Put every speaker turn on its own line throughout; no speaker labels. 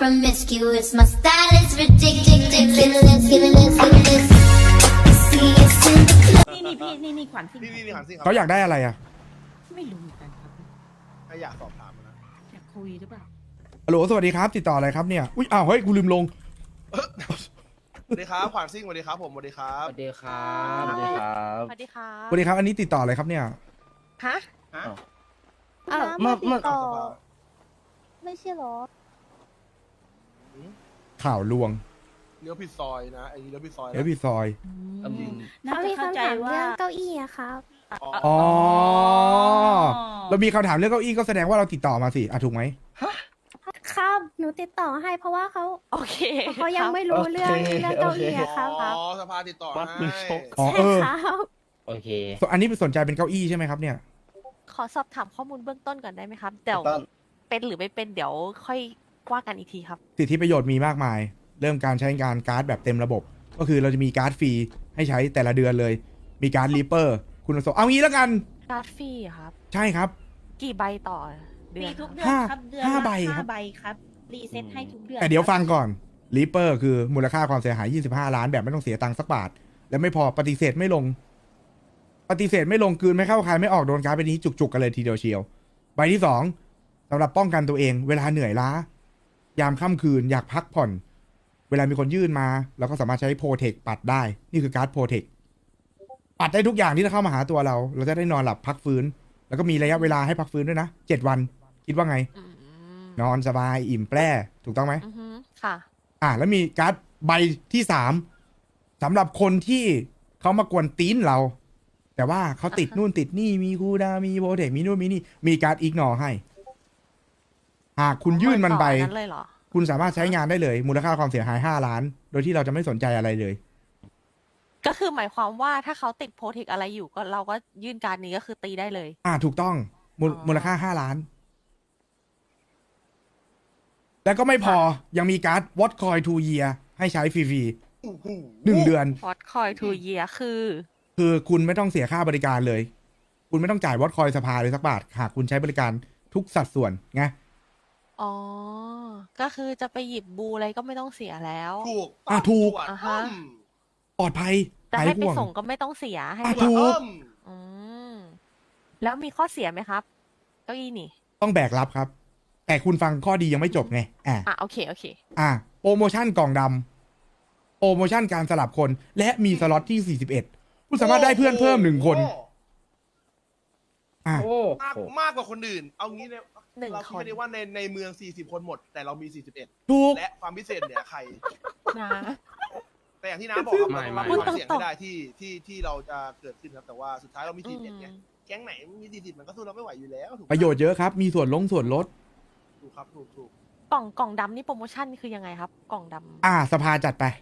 promiscuous. My style is ridiculous. Ridiculous. See us in the club.
นี่พี่นี่ขวัญซิ่ง
นี่หันสิครับ
เขาอยากได้อะไรอ่ะ
ไม่รู้เหมือนกันครับ
ถ้าอยากสอบถามนะ
อยากคุยหรือเปล่า
ฮัลโหลสวัสดีครับ ติดต่ออะไรครับเนี่ย อุ้ยอ้าวเฮ้ยกูลืมลง
สวัสดีครับขวานซิ่งสวัสดีครับผมสวัสดีครับ
สวัสดีครับสวัสดีครับ
สวัสดีค่ะ
สวัสดีครับ อันนี้ติดต่ออะไรครับเนี่ย
ฮะ
ฮะ
อ้าว
เมื่อ
เอาสภา
ไม่ใช่เหรอ
ข่าวลวง
เลี้ยวผิดซอยนะไอ้นี่เลี้ยวผิดซอยนะ
เอพีซอย
น่า
เขา
จะ
มี
เข้า
คำ
ใจ
ถาม
ว่า
เรื่องเก้าอี้อะครับ
อ๋อ เรามีคำถามเรื่องเก้าอี้ก็แสดงว่าเราติดต่อมาสิอ่ะถูกไหม
ครับ หนูติดต่อให้เพราะว่าเขา
โอเค
เขายังไม่รู้เรื่องเก้าอี้อะครับ
อ๋อสภาติดต่อ
วัดมื
ให้
อชก
อ๋อ
ใช่
เออ
ครับ
โอเค
อันนี้สนใจเป็นเก้าอี้ใช่ไหมครับเนี่ย
ขอสอบถามข้อมูลเบื้องต้นก่อนได้ไหมครับ เดี๋ยว
ต้น
เป็นหรือไม่เป็นเดี๋ยวค่อยว่ากันอีกทีครับ
สิทธิประโยชน์มีมากมาย เริ่มการใช้งานการ์ดแบบเต็มระบบ ก็คือเราจะมีการ์ดฟรีให้ใช้แต่ละเดือนเลย มีการ์ดรีเปอร์ คุณสมบัติเอางี้แล้วกัน
การ์ดฟรีอะครับ
ใช่ครับ
กี่ใบต่อเดื
มี
อน
ทุก
ครับ
เดือนครับเดือน
ห้า
ละ
ใบครับ
5 ใบครับรีเซ็ตให้ทุกเดือน
แต่เดี๋ยว
ครับ
ฟังก่อนรีเปอร์คือมูลค่าความเสียหาย 25 ล้านแบบไม่ต้องเสียตังค์สักบาท และไม่พอปฏิเสธไม่ลง ปฏิเสธไม่ลงกลืนไม่เข้าคายไม่ออกโดนการ์ดไปนี้จุกๆกันเลยทีเดียวเชียว ใบที่สองสำหรับป้องกันตัวเอง เวลาเหนื่อยล้า ยามค่ำคืนอยากพักผ่อน เวลามีคนยื่นมาเราก็สามารถใช้โปรเทคปัดได้ นี่คือการ์ดโปรเทคปัดได้ทุกอย่างที่จะเข้ามาหาตัวเรา เราจะได้นอนหลับพักฟื้น แล้วก็มีระยะเวลาให้พักฟื้นด้วยนะ7 วัน คิดว่าไง
อืม
นอนสบายอิ่มแปร่ถูกต้องไหม
อือฮึค่ะ
แล้วมีการ์ดใบที่สามสำหรับคนที่เขามากวนตีนเรา แต่ว่าเขาติดนู่นติดนี่มีคูลดาวน์มีโปรเทคมีนู่นมีนี่มีการ์ดอีกนอให้ หากคุณยื่นมันไป
ต่อนั้นเลยเหรอ
คุณสามารถใช้งานได้เลย มูลค่าความเสียหาย5 ล้าน โดยที่เราจะไม่สนใจอะไรเลย
ก็คือหมายความว่าถ้าเขาติดโปรเทคอะไรอยู่ก็เราก็ยื่นการดนี้ก็คือตีได้เลย
ถูกต้อง
อ๋อ
มูลค่า5 ล้าน แล้วก็ไม่พอยังมีการ์ด What Coin 2 Year ให้ใช้ฟรี
โอ้โห
ๆ1 เดือน
พอดคอยทูเยียคือ
คือคุณไม่ต้องเสียค่าบริการเลย คุณไม่ต้องจ่ายวอตคอยสภาเลยสักบาท หากคุณใช้บริการทุกสัดส่วนไง
อ๋อ ก็คือจะไปหยิบบูอะไรก็ไม่ต้องเสียแล้ว
ถูก
ถูก
อ่าฮะ
ปลอดภัย
แต่
หาย
ให้ไป
ห่วง
ส่งก็ไม่ต้องเสียให้
ถูก
อืมแล้วมีข้อเสียไหมครับเก้าอี้นี่
ต้องแบกรับครับ แต่คุณฟังข้อดียังไม่จบไง
โอเค โอเค
โปรโมชั่นกล่องดำโปรโมชั่นการสลับคน และมีสล็อตที่ 41 คุณสามารถได้เพื่อนเพิ่ม1 คนอ่ะ
โอ้
มาก
โห
มากกว่าคนอื่น เอางี้เนี่ย
หนึ่ง
เรา
ค
คิด
น
ไม่ได้ว่าในเมือง40 คนหมด แต่เรามี41
ถูก
และความพิเศษเหนือใคร
นะ
แต่อย่างที่น้าบอกครับ
ไม่
เรา
ไม่
ต้องรับความเสี่ยง
พูดตรงๆ
ให้ได้ที่เราจะเกิดขึ้นครับ แต่ว่าสุดท้ายเรามี41ไงแก๊งไหนมี40มันก็สู้เราไม่ไหวอยู่แล้วถูกไหม
ประโยชน์เยอะครับ มีส่วนลด
ถูกครับถูก
กล่องดำนี่โปรโมชั่นคือยังไงครับ กล่องดำ
สภาจัดไป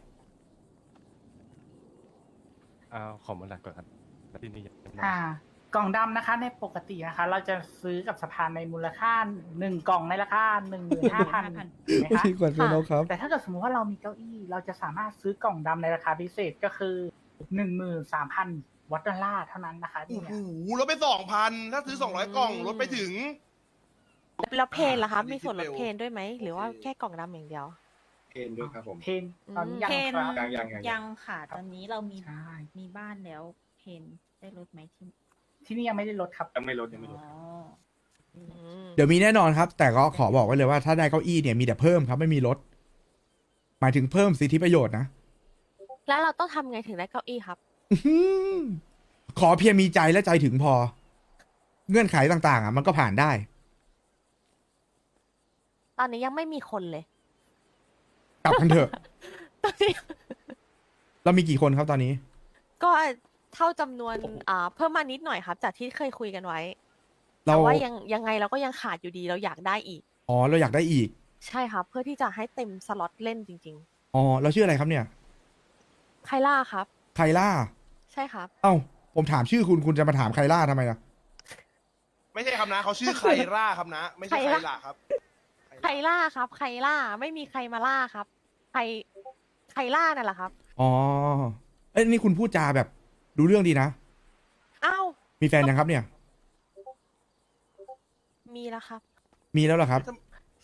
ขอมาหลักก่อนครับที่นี่ยังไม่
กล่องดำนะคะในปกตินะคะ เราจะซื้อกับสภาในมูลค่า1 กล่องในราคา 15,000ถูกไหมคะ
ที่กดเป็นครับ
แต่ถ้าเกิดสมมติว่าเรามีเก้าอี้ เราจะสามารถซื้อกล่องดำในราคาพิเศษก็คือ 13,000 วัตต์ดอลลาร์เท่านั้นนะคะ
โอ้
เนี่ย
โหลดไป 2,000 ถ้าซื้อ200 กล่องลดไปถึง
แล้วเพนล่ะครับ
อันนี้
มีส่วนลด
คิดเร็ว
เพนด้วยไหม หรือว่าแค่กล่องดำอย่างเดียว
เพนด้วยครับผม
เพนตอนนี้ยัง
เพน
ครับ
ยังค่ะ ตอนนี้เรามี
ใช่
มีบ้านแล้วเพนได้ลดไหมที่
ที่นี่ยังไม่ได้ลดครับ
ยังไม่ลดยังไม่ลด
เดี๋ยวมีแน่นอนครับ แต่ก็ขอบอกไว้เลยว่าถ้าได้เก้าอี้เนี่ยมีแต่เพิ่มครับไม่มีลด หมายถึงเพิ่มสิทธิประโยชน์นะ
แล้วเราต้องทำไงถึงได้เก้าอี้ครับ
อื้อหือขอเพียงมีใจและใจถึงพอ เงื่อนไขต่างๆมันก็ผ่านได้
ตอนนี้ยังไม่มีคนเลย
กลับกันเถอะ เรามีกี่คนครับตอนนี้
ก็เท่าจำนวนเพิ่มมานิดหน่อยครับ จากที่เคยคุยกันไว้
เรา
แต่ว่ายังไงเราก็ยังขาดอยู่ดีเราอยากได้อีก
เราอยากได้อีก
ใช่ครับ เพื่อที่จะให้เต็มสล็อตเล่นจริง
เราชื่ออะไรครับเนี่ย
ๆ ไคล่าครับ
ไคล่า
ใช่ครับ
ผมถามชื่อคุณจะมาถามไคล่าทำไมล่ะ
ไม่ใช่ครับนะเขาชื่อไคร่าครับนะ ไม่ใช่ไคล่าครับ
ไคล่าครับ ไคล่าไม่มีใครมาล่าครับไคล่านั่นแหละครับ
นี่คุณพูดจาแบบรู้เรื่องดีนะ
อ้าว
มีแฟนยังครับเนี่ย
มีแล้วครับ
มีแล้วเหรอครับ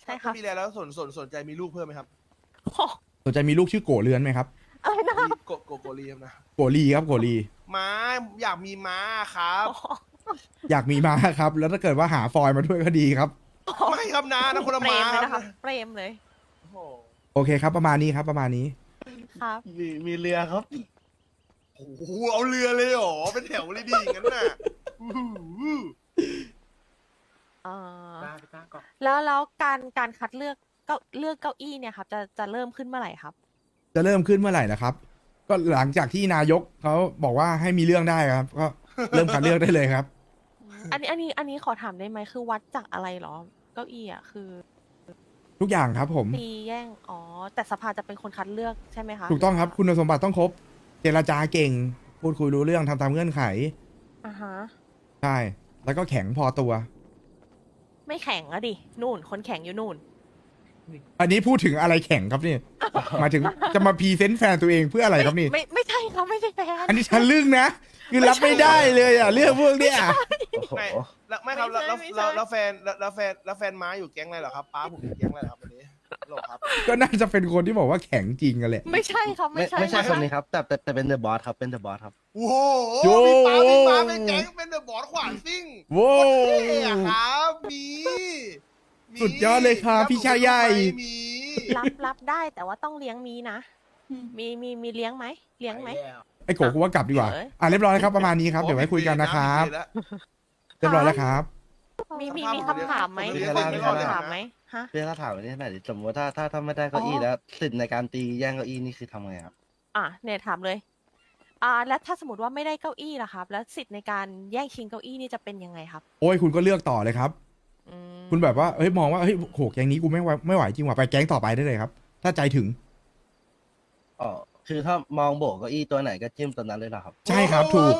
ใช่ครับ
ถ้ามีแล้วสนใจมีลูกเพิ่มไหมครับ
โอ้
สนใจมีลูกชื่อโกเรือนไหมครับ
อะไรนะ
มีโกลีครับนะ
โกลีครับโกลี
ม้าอยากมีม้าครับ
อยากมีมาครับ แล้วถ้าเกิดว่าหาฟอยล์มาด้วยก็ดีครับ
ไม่ครับนะนะคนละ
เปร
ม้าม
เลย
ค
นะค
รั
รั
บบ
เปรมเลย
โอ้โห
โอเคครับประมาณนี้ครับประมาณนี้
ครับ
มีเรือครับ
โอ้โหเอาเรือเลยเหรอเป็นแถวเลยดิอย่างนั้นน่ะอู้หู
เออแล้วการคัดเลือกเลือกเก้าอี้เนี่ยครับจะเริ่มขึ้นเมื่อไหร่ครับ
จะเริ่มขึ้นเมื่อไหร่นะครับ ก็หลังจากที่นายกเขาบอกว่าให้มีเรื่องได้ครับ ก็เริ่มคัดเลือกได้เลยครับ
อันนี้ขอถามได้ไหมคือวัดจากอะไรเหรอ เก้าอี้อ่ะคือ
ทุกอย่างครับผม
ตีแย่งอ๋อแต่สภาจะเป็นคนคัดเลือกใช่ไหมคะ
ถูกต้องครับคุณสมบัติต้องครบ เจรจาเก่ง พูดคุยรู้เรื่องทำตามเงื่อนไข
อ่าฮะ
ใช่ แล้วก็แข็งพอตัว
ไม่แข็งอะดินู่นคนแข็งอยู่นู่น
อันนี้พูดถึงอะไรแข็งครับนี่ หมายถึงจะมาพรีเซนต์แฟนตัวเองเพื่ออะไรครับนี่
ไม่ใช่ครับไม่ใช่แฟน
อันนี้ฉันลึ่งนะ คือรับไม่ได้เลยอ่ะเรื่องพวกเนี้ย
โอ้โห
ไม่แล้วไม่ครับแล้ว
ไม่ใช่
แล้วแฟนแล้วแฟนม้าอยู่แก๊งอะไรเหรอครับป้าผมอยู่แก๊งอะไรเหรอครับวันนี้หรอครับ
ก็น่าจะเป็นคนที่บอกว่าแข็งจริงกันแหละ
ไม่ใช่ครับไม่ใช่
ไม่ใช่
รับ
คนนี้ครับ แต่เป็นเดอะบอสครับเป็นเดอะบอสครับ
โอ้โห
โย่
มีป้าเป็นแก๊งเป็นเดอะบอสขวานซิ่ง
โว้
เท่อะครับมี
สุดยอดเลยครับพี่ชายใหญ่
มี
รับได้แต่ว่าต้องเลี้ยงมีนะ มีเลี้ยงไหมเลี้ยงไหม
ไอ้โกกูว่ากลับดีกว่า
เอ้ย
อ่ะเรียบร้อยแล้วครับประมาณนี้ครับ เดี๋ยวไว้คุยกันนะครับ เรียบร้อยแล้วครับ
มีคำถามไหม
มี
มี
คำถาม
คำถามไหมฮะ
เพื่อถ้าถามวันนี้หน่อยดิสมมติถ้าไม่ได้เก้าอี้
อ๋อ
แล้วสิทธิ์ในการตีแย่งเก้าอี้นี่คือทำไงครับ
เนี่ยถามเลย แล้วถ้าสมมติว่าไม่ได้เก้าอี้ล่ะครับ แล้วสิทธิ์ในการแย่งชิงเก้าอี้นี่จะเป็นยังไงครับ
โอ้ยคุณก็เลือกต่อเลยครับ
อืม
คุณแบบว่าเฮ้ยมองว่าเฮ้ยโหแก๊งนี้กูไม่ไหวจริงว่ะไปแก๊งต่อไปได้เลยครับ ถ้าใจถึง
อ๋อ คือถ้ามองโบกเก้าอี้ตัวไหนก็จิ้มตัวนั้นเลยเหรอครับ
ใช่ครับถูก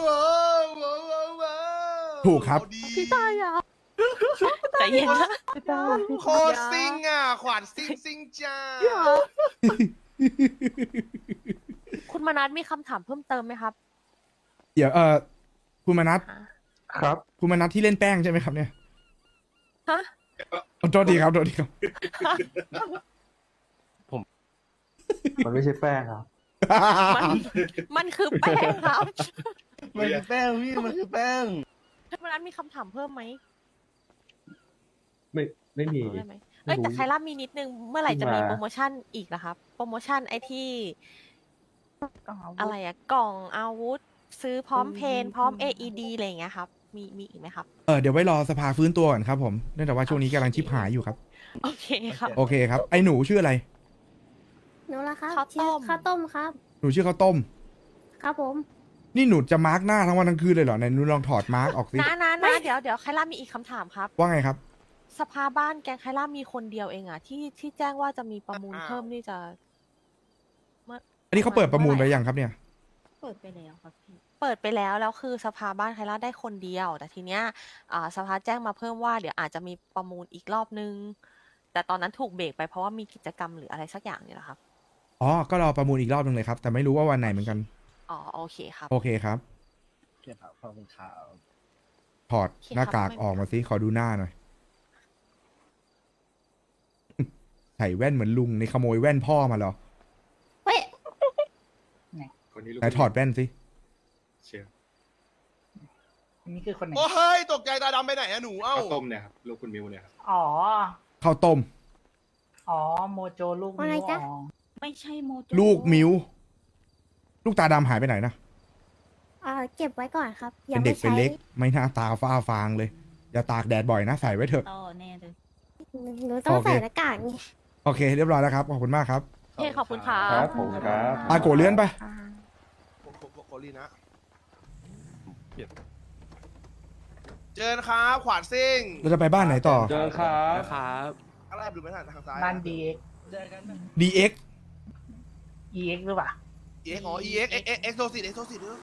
ถูกครับ
พี่ตายอ่ะใจเย็นนะ
โคตรซิ่งอ่ะขวานซิ่งจ้า
คุณมนัสมีคำถามเพิ่มเติมไหมครับ
เดี๋ยวคุณมนัท
ฮะ
ครับ
คุณมนัทที่เล่นแป้งใช่ไหมครับเนี่ย
ฮะ
โทษทีครับโทษทีครับ
มันไม่ใช่แป้งครับ
มันคือแป้งครับ
มันคือแป้งพี่มันคือแป้ง
คุณมนัสมีคำถามเพิ่มไหม
ไม่มี
รู้ได้ไหมเอ้ยแต่ใครรับมีนิดนึงเมื่อไหร่จะมีโปรโมชั่นอีกนะครับ โปรโมชั่นไอที่อะไรอะกล่องอาวุธ ซื้อพร้อมเพนพร้อม AED อะไรอย่างเงี้ยครับ มีอีกไหมครับ
เดี๋ยวไว้รอสภาฟื้นตัวก่อนครับผมเนื่องจากว่าช่วงนี้กำลังชิบหายอยู่ครับ
โอเคครับ
โอเคครับไอ้หนูชื่ออะไร
หนูละครับ
ข้าวต้ม
ชื่อข้าวต้มครับ
หนูชื่อข้าวต้ม
ครับผม
นี่หนูจะมาร์กหน้าทั้งวันทั้งคืนเลยเหรอไหนหนูลองถอดมาร์กออกสิ
นะเดี๋ยวใครรับมีอีกคำถามครับ
ว่าไงครับ
สภาบ้านแกงไคล่ามีคนเดียวเองอะที่แจ้งว่าจะมีประมูลเพิ่มนี่จะ
อันนี้เขาเปิดประมูลไปยังครับเนี่ย
เปิดไปแล้วครับพี่
เปิดไปแล้วคือสภาบ้านไคล่าได้คนเดียว แต่ทีเนี้ยสภาแจ้งมาเพิ่มว่าเดี๋ยวอาจจะมีประมูลอีกรอบนึง แต่ตอนนั้นถูกเบรกไปเพราะว่ามีกิจกรรมหรืออะไรสักอย่างนี่แหละครับ
อ๋อ ก็รอประมูลอีกรอบนึงเลยครับ แต่ไม่รู้ว่าวันไหนเหมือนกัน
อ๋อโอเคครับ
โอเคครับ
เกี่ยวกับขอบคุณข่าว
ถอดหน้ากากออกมาสิขอดูหน้าหน่อย ใส่แว่นเหมือนลุงในขโมยแว่นพ่อมาเหรอ
เฮ้ย
คนนี้ลูก
ไหนถอดแว่นสิ
เชียร์
นี่คือคนไหน
โอ้เฮ้ยตกใจตาดำไปไหนอะหนูเอ้า
ข้าวต้มเนี่ยครับ ลูกคุณมิวเนี่ยครับ
อ๋อ
ข้าวต้ม
อ๋อ โมโจลูก
อะไร
นิ้ว
จ๊ะ
อ๋อ
ไม่ใช่โมโจ
ลูกมิวลูกตาดำหายไปไหนนะ
เก็บไว้ก่อนครับ
เป็นเด็กเป็นเล็ก ไม่น่าตาฟ้าฟางเลย อย่าตากแดดบ่อยนะ ใส่ไว้เถอะ
ต่อแน่เลยหนูต้อง
โอเค
ใส่หน้ากากไง
โอเค เรียบร้อยแล้วครับ ขอบคุณมากครับ
โอเคขอบคุณครับ
ครับผมครับ
อาโกเลื่อนไป
โคลีนะเจอครับ ขวานซิ่ง
เราจะไปบ้านไหนต่อ
เจอครับ
อะไรดูไม่ทันทางซ้าย
บ้าน DX
DX
EX หรือเปล่า
EX อ๋อ EX เอ็กโซซิต